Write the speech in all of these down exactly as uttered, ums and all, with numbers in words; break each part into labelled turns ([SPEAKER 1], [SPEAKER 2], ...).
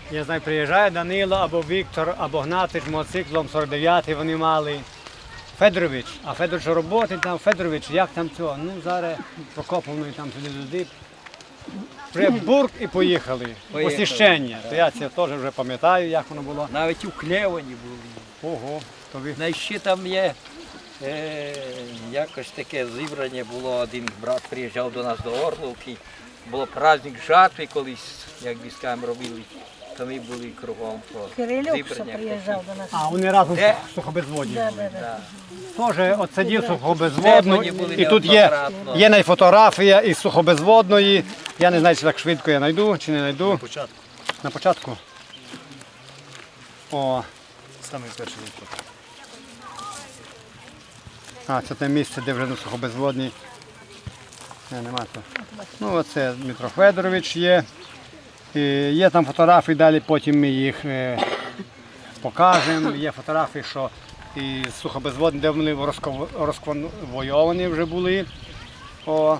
[SPEAKER 1] Я знаю, приїжджає Данило або Віктор, або Гнатич мотоциклом сорок дев'ятий вони мали. Федорович, а Федорович роботи там, Федорович, як там цього? Ну, зараз Прокоповної там сюди-туди. Вже бурк і поїхали.
[SPEAKER 2] Поїхали.
[SPEAKER 1] Освящення. То я це теж вже пам'ятаю, як воно було.
[SPEAKER 2] Навіть у Клевані були.
[SPEAKER 1] Ого, то ви.
[SPEAKER 2] Ну, і ще там є е, якось таке зібрання було, один брат приїжджав до нас до Орловки. Було праздник жатви колись, як військам робили, то ми були кругом по
[SPEAKER 3] Кирилюк
[SPEAKER 2] зібрання.
[SPEAKER 3] приїжджав до нас.
[SPEAKER 1] А, вони разом
[SPEAKER 2] Де?
[SPEAKER 1] з сухобезводні.
[SPEAKER 3] Да,
[SPEAKER 1] були.
[SPEAKER 3] да, да.
[SPEAKER 2] Да.
[SPEAKER 1] Теж от сидів сухобезводну,
[SPEAKER 2] Вони були
[SPEAKER 1] і тут є,
[SPEAKER 2] неоднократно.
[SPEAKER 1] є навіть фотографія із сухобезводної. Я не знаю, чи так швидко я знайду, чи не знайду. На
[SPEAKER 4] початку.
[SPEAKER 1] На початку? О,
[SPEAKER 4] Саме перший випадок.
[SPEAKER 1] а, це те місце, де вже на сухобезводній. Не, нема то. Ну, оце Дмитро Федорович є. І є там фотографії, далі потім ми їх е, покажемо. Є фотографії, що і сухобезводні, де вони розков- розконвойовані вже були. О,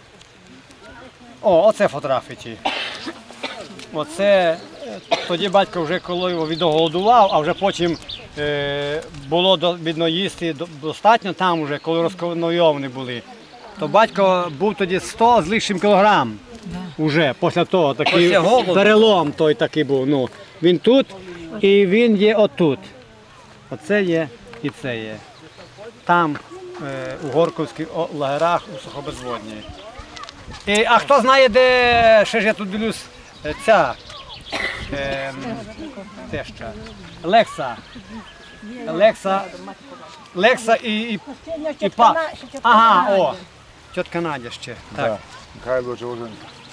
[SPEAKER 1] О оце фотографії ті. Оце е, тоді батько вже коли його відголодував, а вже потім е, було до- видно їсти до- достатньо там вже, коли розконвойовані були. То батько був тоді сто з лишнім кілограм. Уже після того такий
[SPEAKER 2] Після голоду.
[SPEAKER 1] перелом той такий був. Ну, він тут і він є отут. Оце є і це є. Там, е, у Горковських о- лагерах, у Сухобезводній. І, а хто знає, де ще ж я тут дивлюсь, е, ця е, теща, Лекса. Лекса, Лекса і, і, і па. Ага, о, тітка Надя ще. Так.
[SPEAKER 4] Михайло Джордан.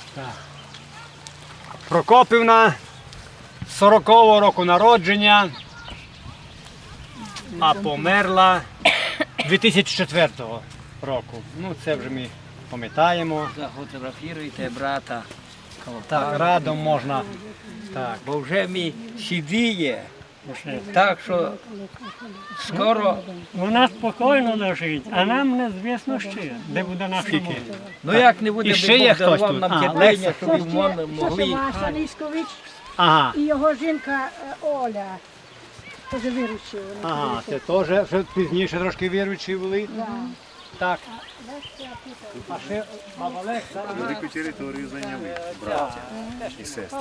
[SPEAKER 1] Прокопівна, сорокового року народження, а померла дві тисячі четвертого року. Ну, це вже ми пам'ятаємо.
[SPEAKER 2] Зафотографіруйте брата.
[SPEAKER 1] Так, радом можна. Так.
[SPEAKER 2] Бо вже мій сідіє. Так що скоро,
[SPEAKER 5] Вона спокійно лежить, а нам незвісно ще, де буде наша мова.
[SPEAKER 2] ну як не буде,
[SPEAKER 1] І ще є
[SPEAKER 2] Бог
[SPEAKER 1] хтось
[SPEAKER 2] дарував
[SPEAKER 1] тут?
[SPEAKER 2] нам
[SPEAKER 1] А,
[SPEAKER 2] терпіння,
[SPEAKER 1] Лекса.
[SPEAKER 2] щоб ми мон- могли.
[SPEAKER 3] Маша Ліскович
[SPEAKER 1] Ага,
[SPEAKER 3] і його жінка е, Оля. Теж виручила.
[SPEAKER 1] ага, це теж вже пізніше трошки віруючі були. Так. А ще баба Лекса.
[SPEAKER 4] Велику територію зайняли браття і сестри.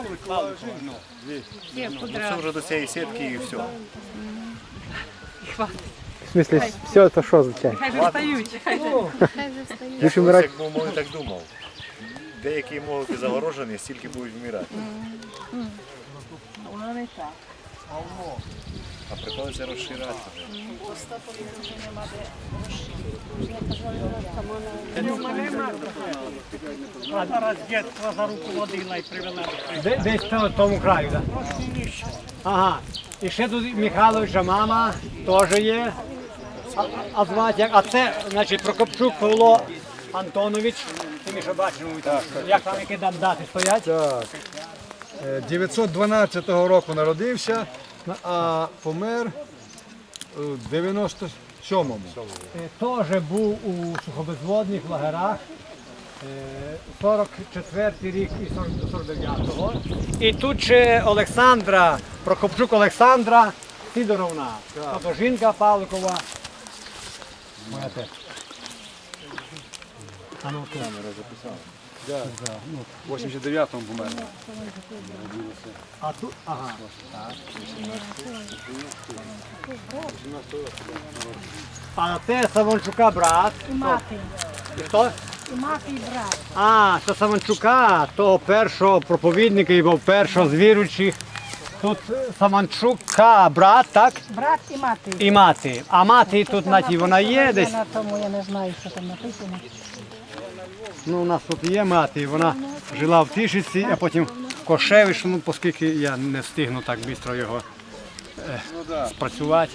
[SPEAKER 4] Ну, це вже до цієї сітки і все.
[SPEAKER 6] В смысле, все это что означает? Лишь умирать.
[SPEAKER 4] Як був, може, так думав. Деякі можуть бути загорожені, стільки будуть вмирати. А приходиться розширяти вже.
[SPEAKER 5] А зараз дітка за руку водила і привела.
[SPEAKER 1] Де- Десь в тому краю, так? Ага. І ще тут Михайловича мама теж є. А, а звати як? А це, значить, Прокопчук Павло Антонович. Ти ми що бачимо, як там які там дати стоять?
[SPEAKER 7] Так. Е, дев'ятсот дванадцятого року народився, а помер у дев'яносто сьомому.
[SPEAKER 1] Е, Теж був у сухобезводних лагерах. Е, сорок четвертий рік і сорок дев'ятого. І тут ще Олександра, Прокопчук Олександра Сидоровна. Тобто жінка Павликова. Моя теж. А ну тут.
[SPEAKER 7] У вісімдесят дев'ятому помер.
[SPEAKER 1] А тут, ага. А це Савончука брат.
[SPEAKER 3] І мати.
[SPEAKER 1] І хто?
[SPEAKER 3] І мати, і брат.
[SPEAKER 1] А, це Савончука, того першого проповідника і був першого з віруючих. Тут Савончука брат, так?
[SPEAKER 3] Брат і мати.
[SPEAKER 1] І мати. А мати тут, знаєте, вона є десь.
[SPEAKER 3] На тому я не знаю, що там написано.
[SPEAKER 1] Ну, у нас тут є мати, вона жила в Тишиці, а потім в Кошевич, ну, оскільки я не встигну так швидко його е, спрацювати.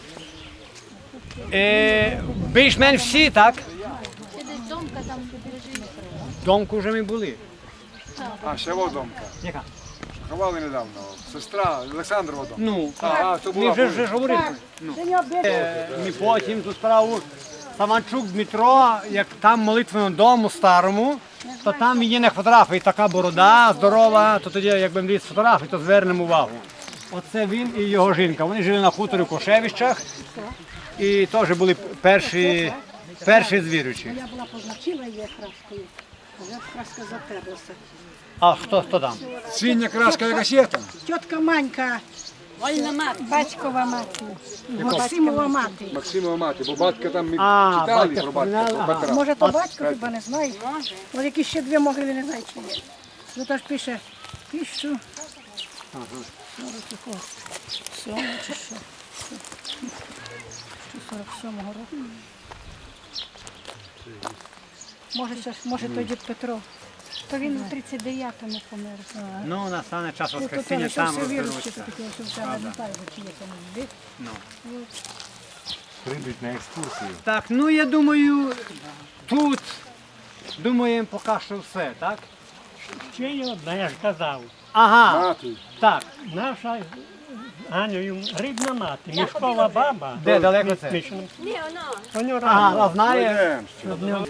[SPEAKER 1] Е, більш-менш всі, так? Домку вже ми були.
[SPEAKER 7] А, ще Водомка.
[SPEAKER 1] Яка?
[SPEAKER 7] Ховали недавно. Сестра Олександрова Водомка.
[SPEAKER 1] Ну,
[SPEAKER 7] А, то
[SPEAKER 1] ми
[SPEAKER 7] була.
[SPEAKER 1] вже, вже ж говорили.
[SPEAKER 3] Це нього більше.
[SPEAKER 1] Е, Ми потім ту справу Саванчук Дмитро, як там молитвеному дому старому, то там є на фотографії така борода здорова, то тоді, якби мені з фотографій, то звернемо увагу. Оце він і його жінка. Вони жили на хуторі в Кошевищах і теж були перші, перші з віруючих.
[SPEAKER 3] Я була позначила її краскою, а вже краска затерлася.
[SPEAKER 1] А хто, хто там?
[SPEAKER 7] Синя краска якась є там.
[SPEAKER 3] Тітка Манька, батькова мати, Максимова мати.
[SPEAKER 7] Максимова мати, бо батька там ми
[SPEAKER 1] А,
[SPEAKER 7] читали
[SPEAKER 1] батька
[SPEAKER 7] про батька, про
[SPEAKER 1] вспоминала,
[SPEAKER 7] Петра.
[SPEAKER 3] Може, то батько хіба не знає? Ось які ще дві могили, не знаю, чи є. Ну, то ж пише, тисячу, сьому чи що? сорок сьомого року. Може, це ж- може, той дід Петро. То він у тридцять дев'ятому помер.
[SPEAKER 1] Ну, настане час
[SPEAKER 3] Тут то
[SPEAKER 1] Воскресіння,
[SPEAKER 3] лише
[SPEAKER 1] там
[SPEAKER 3] все віруючі,
[SPEAKER 1] розберуться.
[SPEAKER 3] то таке, що все не знаю, чи є там дід.
[SPEAKER 4] Прийдуть на екскурсію.
[SPEAKER 1] Так, ну я думаю, тут, думаємо, поки що все, так?
[SPEAKER 5] Ще й одна, я ж казав.
[SPEAKER 1] Ага,
[SPEAKER 7] Мати.
[SPEAKER 1] так.
[SPEAKER 5] Наша з Анею рідна мати, мішкова баба.
[SPEAKER 1] Де далеко це?
[SPEAKER 5] Мішкова. Воно
[SPEAKER 1] Ага, а знає.
[SPEAKER 7] Йдемо.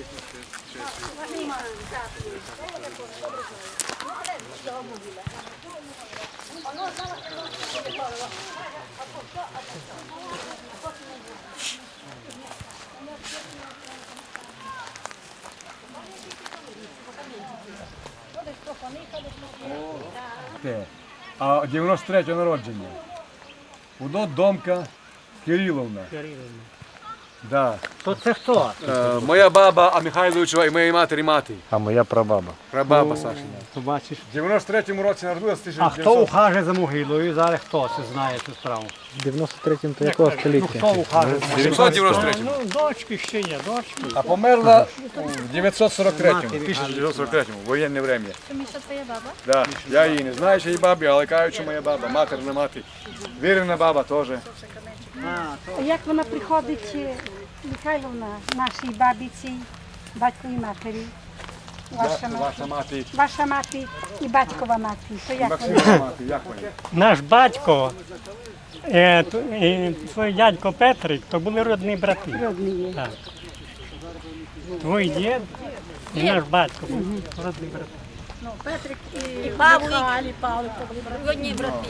[SPEAKER 7] Те. А дев'яносто третього народження. Удот Домка Кириловна. Да.
[SPEAKER 1] То це хто?
[SPEAKER 7] Е, моя баба, а Михайловичова і моєї матері мати.
[SPEAKER 6] А моя прабаба.
[SPEAKER 7] Прабаба Сашина.
[SPEAKER 1] Побачиш.
[SPEAKER 7] В дев'яносто третьому році народилася
[SPEAKER 1] А
[SPEAKER 7] тисяча
[SPEAKER 1] хто
[SPEAKER 7] дев'ятсот.
[SPEAKER 1] ухаже за могилою? Зараз хто це знає цю справу?
[SPEAKER 6] В дев'яносто третьому то якого
[SPEAKER 1] Ну
[SPEAKER 6] століття?
[SPEAKER 1] хто ухаже за могилою?
[SPEAKER 7] дев'ятсот дев'яносто третьому.
[SPEAKER 5] Ну, дочки ще є, дочки.
[SPEAKER 7] А померла в дев'ятсот сорок третьому.
[SPEAKER 1] Матері.
[SPEAKER 7] тисяча дев'ятсот сорок третьому, воєнне время.
[SPEAKER 8] Це Міша твоя баба?
[SPEAKER 7] Да. Я її не знаю, що її бабі, але кажуть, що моя баба, матерна мати. Вірена баба теж.
[SPEAKER 3] Як вона приходить, е, Михайловна, нашій бабіці, батьковій матері, ваша мати,
[SPEAKER 7] Ваша мати,
[SPEAKER 3] ваша мати і батькова мати, то як вона?
[SPEAKER 7] Максимова мати, як вона?
[SPEAKER 5] Наш батько е, т- і твій дядько Петрик, то були родні брати.
[SPEAKER 3] Родні є.
[SPEAKER 5] Так. Твій дід і наш батько були родні брати.
[SPEAKER 3] Ну, Петрик і,
[SPEAKER 8] І Павлик.
[SPEAKER 3] Михайло, і Павлик, то були брати.
[SPEAKER 8] Одні брати.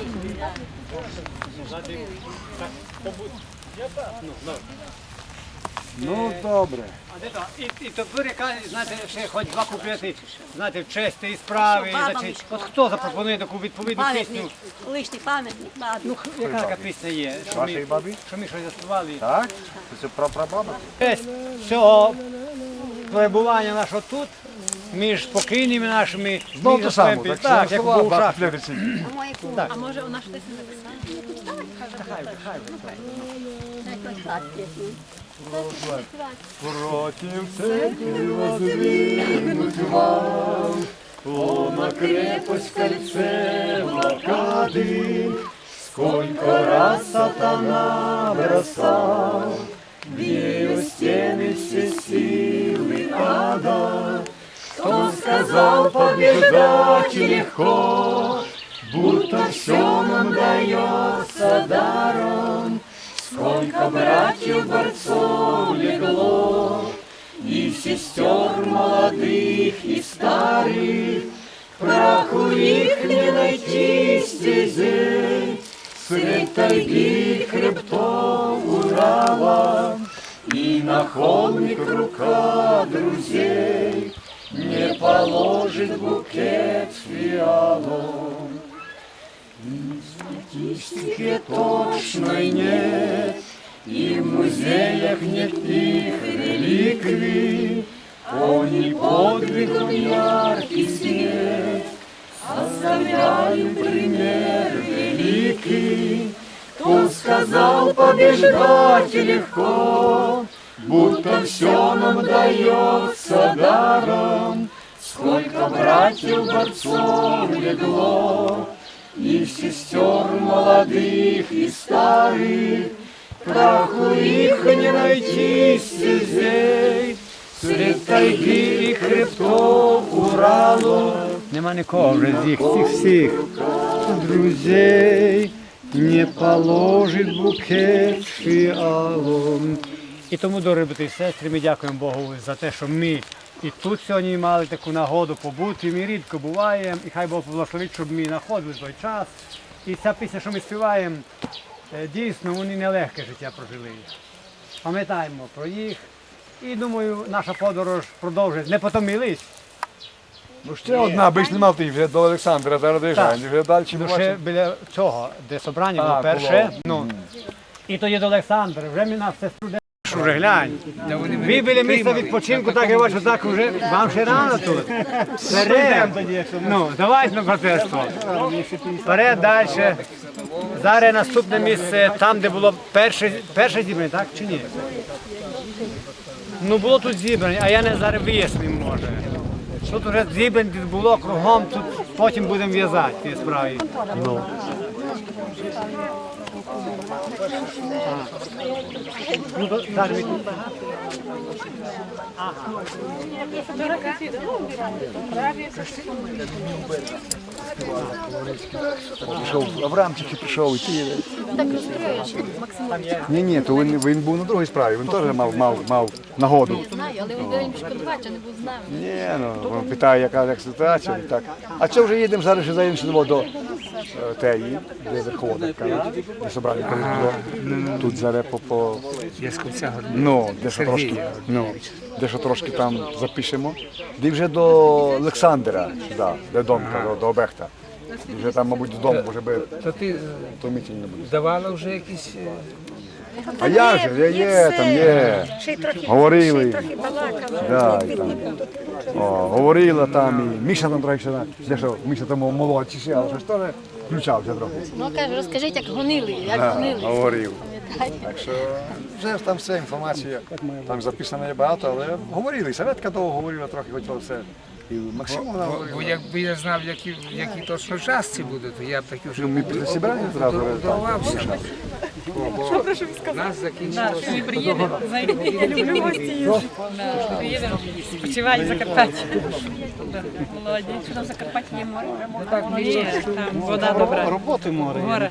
[SPEAKER 7] Ну добре.
[SPEAKER 1] А де то? І, і тепер яка, знаєте, ще хоч два куплети, знаєте, в честь тієї справи.
[SPEAKER 8] Що, баба
[SPEAKER 1] значить,
[SPEAKER 8] Мишко?
[SPEAKER 1] от хто запропонує таку відповідну пісню?
[SPEAKER 8] Пам'ятник, лишній пам'ятник бабі.
[SPEAKER 1] Ну, яка така пісня є? Що
[SPEAKER 4] Вашої
[SPEAKER 1] ми,
[SPEAKER 4] бабі?
[SPEAKER 1] що ми щось заспівали?
[SPEAKER 4] Так? Це про прабаба?
[SPEAKER 1] Честь цього перебування нашого тут, між спокійними нашими,
[SPEAKER 7] Знову
[SPEAKER 1] між
[SPEAKER 7] ту саму,
[SPEAKER 1] своїм-
[SPEAKER 7] так,
[SPEAKER 1] так, як був шах.
[SPEAKER 8] А моє кум. А може вона щось не написала?
[SPEAKER 7] Против церкви воздвигнуть вал, о, на крепость кольце блокады, сколько раз сатана бросал, в ее стены все силы ада. Кто сказал побеждать легко, будто все нам дается даром. Сколько братьев борцов легло, и сестер молодых и старых, праху их не найти стезей, средь тайги и хребтов Урала, и на холмик рука друзей не положит букет фиалом. В статистике точной нет, и в музеях нет их реликвий. Они подвигом яркий свет оставляют пример великий. Кто сказал побеждать легко, будто все нам дается даром. Сколько братьев борцов легло, и сестер молодых и старых, праху их не найти стезей, средь тайги и хребтов Уралу.
[SPEAKER 1] Нема нікого вже з їх, всіх всіх друзей не положить букет фіалом. І тому, дорогі брати і сестри, ми дякуємо Богу за те, що ми І тут сьогодні мали таку нагоду побути, ми рідко буваємо, і хай Бог благословить, щоб ми знаходили той час. І ця пісня, що ми співаємо, е, дійсно, вони нелегке життя прожили. Пам'ятаємо про їх. І думаю, наша подорож продовжить. Не потомились.
[SPEAKER 7] Ну ще одна, аби ж не мав ти вже до Олександра, зараз доїжджаємо, вже далі
[SPEAKER 1] Ну, ще
[SPEAKER 7] бачимо.
[SPEAKER 1] біля цього, де собрання було
[SPEAKER 7] А,
[SPEAKER 1] перше.
[SPEAKER 7] було.
[SPEAKER 1] Ну, і тоді до Олександра. Вже ми нас сестру де вже глянь. Ви біля місця відпочинку, так я бачу, так вже вам ще рано тут. Вперед. Ну, давайте на братерство. Вперед далі. Зараз наступне місце, там, де було перше, перше зібрання, так чи ні? Ну було тут зібрання, а я не зараз вияснив, може. Тут вже зібрань було кругом, тут потім будемо в'язати ті справи. Ну. Ну, то зараз ми тут.
[SPEAKER 7] Пішов, Авраам тільки прийшов, і ти.
[SPEAKER 8] Так розстроїш, Максим.
[SPEAKER 7] Ні, ні, то він, він був на другій справі, він теж мав, мав, мав нагоду.
[SPEAKER 8] Знаю, але він повинен шкодувати, що не був з нами.
[SPEAKER 7] Ні, ну, він питає, яка як ситуація, і так. А що вже їдемо зараз, ще заїдемо до е, теї, де верховода, де собрання коли було. Тут зараз по, по ну, де що трошки, ну, де що трошки там запишемо. Де вже до Олександра, сюди, до Домка, до, до Обехта. І вже там, мабуть, додому, може би,
[SPEAKER 9] То ти
[SPEAKER 7] то мітінь не буде.
[SPEAKER 9] здавала вже якісь. е,
[SPEAKER 7] А я ж, є, є, там є.
[SPEAKER 3] Ще й трохи,
[SPEAKER 7] Говорили.
[SPEAKER 3] ще й трохи балакали.
[SPEAKER 7] Да, і там. О, говорила там, і Міша там трохи ще, де що, Міша там молодший ще, але щось теж включався трохи.
[SPEAKER 8] Ну, каже, розкажіть, як гонили, як
[SPEAKER 7] Да,
[SPEAKER 8] гонили.
[SPEAKER 7] говорив.
[SPEAKER 8] Пам'ятаєте?
[SPEAKER 7] Так що вже ж там вся інформація, там записано є багато, але говорили, і Саветка довго говорила трохи, хотіла все. І Максимовна
[SPEAKER 9] Бо, бо
[SPEAKER 7] говорила.
[SPEAKER 9] якби я знав, які, які точно частці будуть, то я б таки вже
[SPEAKER 7] Ну, ми після зібрання зразу.
[SPEAKER 9] готувався. Бо, бо нас закінчилося.
[SPEAKER 10] Спочивають в Закарпатті. Молоді. Що там в Закарпатті є море? Ні, там вода добра.
[SPEAKER 1] Роботи море.
[SPEAKER 10] Море.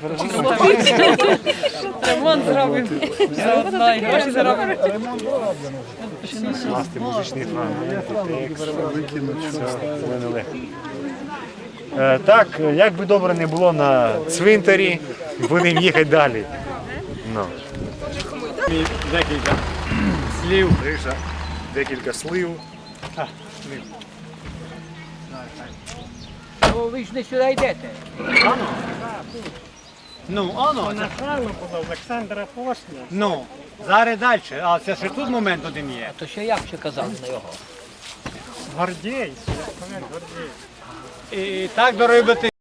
[SPEAKER 10] Ремонт зробимо. Заодно і гроші заробимо.
[SPEAKER 4] Е, Так, як би добре не було на цвинтарі, будемо їхати далі. Ну.
[SPEAKER 1] І декілька слів.
[SPEAKER 4] Гриша, декілька слив.
[SPEAKER 2] Ну, ви ж не сюди йдете.
[SPEAKER 1] Ну, оно.
[SPEAKER 5] Начало було Олександра Посня.
[SPEAKER 1] Ну, зараз далі. А це ще тут момент один є.
[SPEAKER 2] То ще як ще казали на його?
[SPEAKER 5] Гордій, Гордій.
[SPEAKER 1] І так, дорогі брати,